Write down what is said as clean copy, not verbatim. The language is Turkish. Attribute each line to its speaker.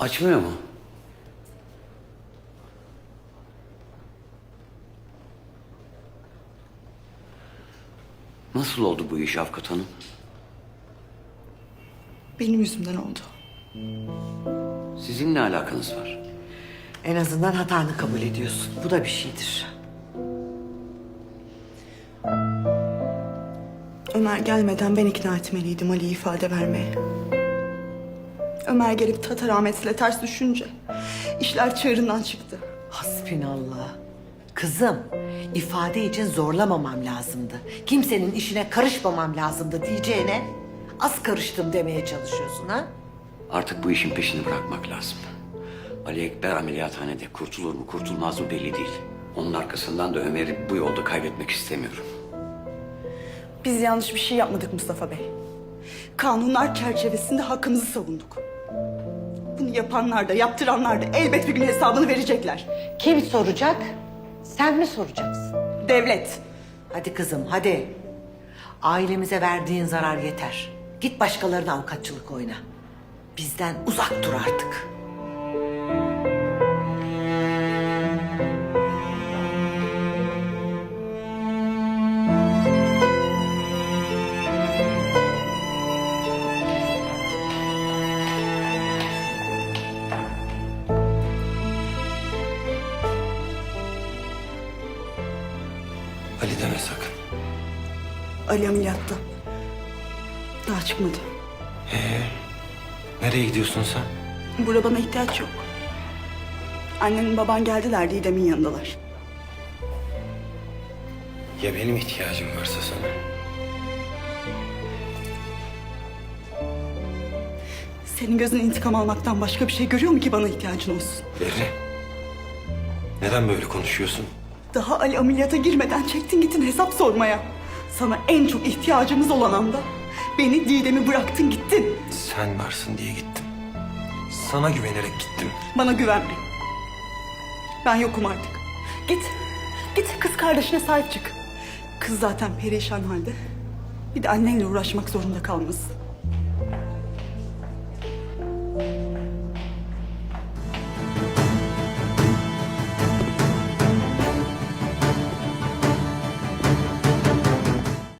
Speaker 1: Açmıyor mu? Nasıl oldu bu iş Avukat Hanım?
Speaker 2: Benim yüzümden oldu.
Speaker 1: Sizin ne alakanız var?
Speaker 3: En azından hatanı kabul ediyorsun. Bu da bir şeydir.
Speaker 2: Ömer gelmeden ben ikna etmeliydim Ali'yi ifade vermeye. Ömer gelip Tatar Ahmet'le ters düşünce işler çığırından çıktı.
Speaker 3: Hasbinallah. Kızım, ifade için zorlamamam lazımdı. Kimsenin işine karışmamam lazımdı diyeceğine az karıştım demeye çalışıyorsun ha?
Speaker 1: Artık bu işin peşini bırakmak lazım. Ali Ekber ameliyathanede kurtulur mu kurtulmaz mı belli değil. Onun arkasından da Ömer'i bu yolda kaybetmek istemiyorum.
Speaker 2: Biz yanlış bir şey yapmadık Mustafa Bey. Kanunlar çerçevesinde hakkımızı savunduk. Bunu yapanlar da yaptıranlar da elbet bir gün hesabını verecekler.
Speaker 3: Kim soracak? Sen mi soracaksın?
Speaker 2: Devlet.
Speaker 3: Hadi kızım, hadi. Ailemize verdiğin zarar yeter. Git başkalarına avukatçılık oyna. Bizden uzak dur artık.
Speaker 4: Ali deme sakın.
Speaker 2: Ali ameliyatta. Daha çıkmadı.
Speaker 4: Nereye gidiyorsun sen?
Speaker 2: Burada bana ihtiyaç yok. Annenin baban geldiler Didem'in yanındalar.
Speaker 4: Ya benim ihtiyacım varsa sana?
Speaker 2: Senin gözün intikam almaktan başka bir şey görüyor mu ki bana ihtiyacın olsun?
Speaker 4: Berri. Neden böyle konuşuyorsun?
Speaker 2: Daha Ali ameliyata girmeden çektin gittin hesap sormaya. Sana en çok ihtiyacımız olan anda beni Didem'i bıraktın gittin.
Speaker 4: Sen varsın diye gittim. Sana güvenerek gittim.
Speaker 2: Bana güvenme. Ben yokum artık. Git. Git kız kardeşine sahip çık. Kız zaten perişan halde. Bir de annenle uğraşmak zorunda kalmasın.